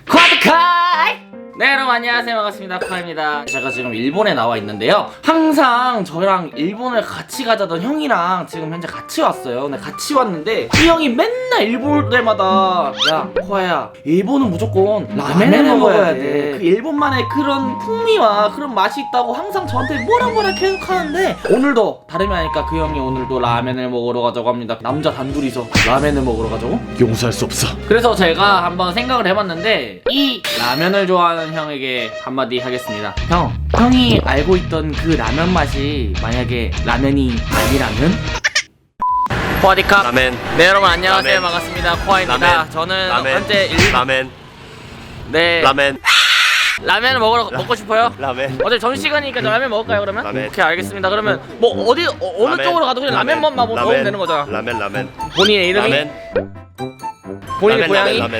쿼드카이! 네 여러분 안녕하세요, 반갑습니다. 카입니다. 제가 지금 일본에 나와 있는데요, 항상 저랑 일본을 같이 가자던 형이랑 지금 현재 같이 왔어요. 근데 같이 왔는데 이 형이 맨날 일본 올 때마다 야 코아야, 일본은 무조건 라멘을 먹어야 돼. 그 일본만의 그런 풍미와 그런 맛이 있다고 항상 저한테 뭐라 계속 하는데, 오늘도 다름이 아니까 그 형이 오늘도 라멘을 먹으러 가자고 합니다. 남자 단둘이서 라멘을 먹으러 가자고? 용서할 수 없어. 그래서 제가 한번 생각을 해봤는데, 이 라면을 좋아하는 형에게 한마디 하겠습니다. 형이 알고 있던 그 라면 맛이 만약에 라면이 아니라면? 코아디캅 라멘. 네 여러분 안녕하세요. 라멘. 반갑습니다. 코아입니다. 라멘. 저는 라멘. 현재 라멘. 네 라멘. 라면을 먹고 싶어요. 라멘. 어차피 점심시간이니까 라면 먹을까요 그러면? 라멘. 오케이 알겠습니다. 그러면 뭐 어느 라멘. 쪽으로 가도 그냥 라면만 먹으면 되는 거잖아. 라멘. 본인의 이름이? 라멘. 본인의 라멘, 고향이? 라멘.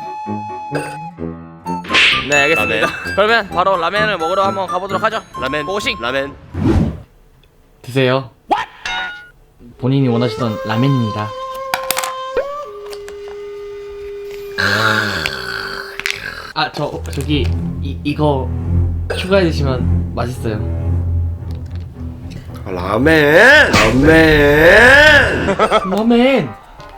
네 알겠습니다. 라멘. 그러면 바로 라면을 먹으러 한번 가보도록 하죠. 라멘. 고식! 라멘. 드세요. 본인이 원하시던 라면입니다. 저기 이거 추가해 드시면 맛있어요. 라멘. 라멘.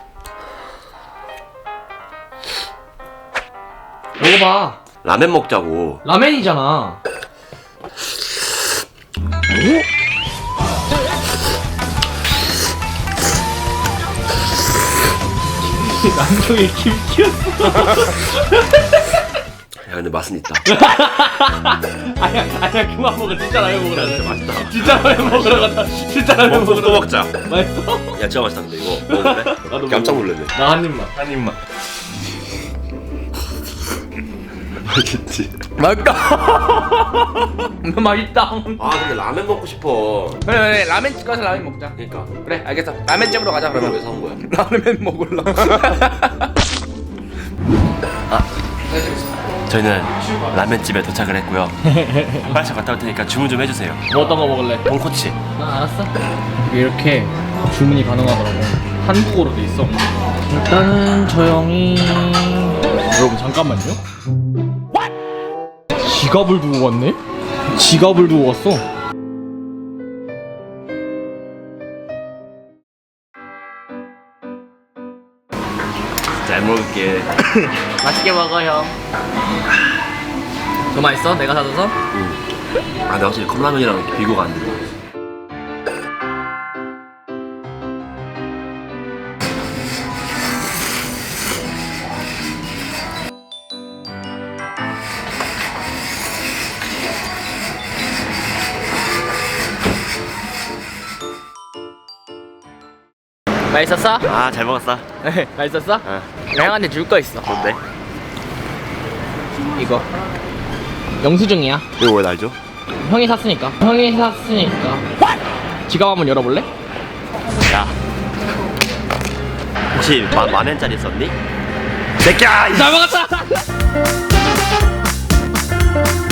먹어봐. 라멘 먹자고. 라멘이잖아. 남성의 김치였어. 야 근데 맛은 있다. 아니야 그만 먹어. 진짜 라면 먹으러 진짜 가자. 맛있다. 진짜 라면 먹으러 가자. 진짜 라면 또 먹으러 먹자. 가자. 맛있어? 야 진짜 맛있다 근데 이거 먹어볼래? 나도 깜짝 먹어. 놀랐네. 나 한 입만. 한 입만. 맛있지. 맛있다. 맛있다. 아 근데 라멘 먹고 싶어. 그래 라면집 가서 라면 먹자. 그러니까. 그래 알겠어. 라면집으로 가자 그럼 그러면. 왜 사온 거야? 라면 먹을라. 저희는 라멘집에 도착을 했고요. 빨리 갔다 올 테니까 주문 좀 해주세요. 뭐 어떤 거 먹을래? 돈코치. 알았어. 이렇게 주문이 가능하더라고. 한국어로 돼 있어. 일단은 저 형이 여러분 잠깐만요. 지갑을 두고 왔네? 지갑을 두고 왔어. 잘 먹을게. 맛있게 먹어 형. 더 맛있어? 내가 사줘서? 아 근데 확실히 컵라면이랑 비교가 안 된다. 맛있었어? 아 잘 먹었어. 맛있었어? 어. 나 형한테 줄 거 있어. 뭔데? 이거 영수증이야. 이거 왜 날 줘? 형이 샀으니까. 지갑 한번 열어볼래? 야 혹시 만엔짜리 썼니? 새끼야! 잘 먹었다.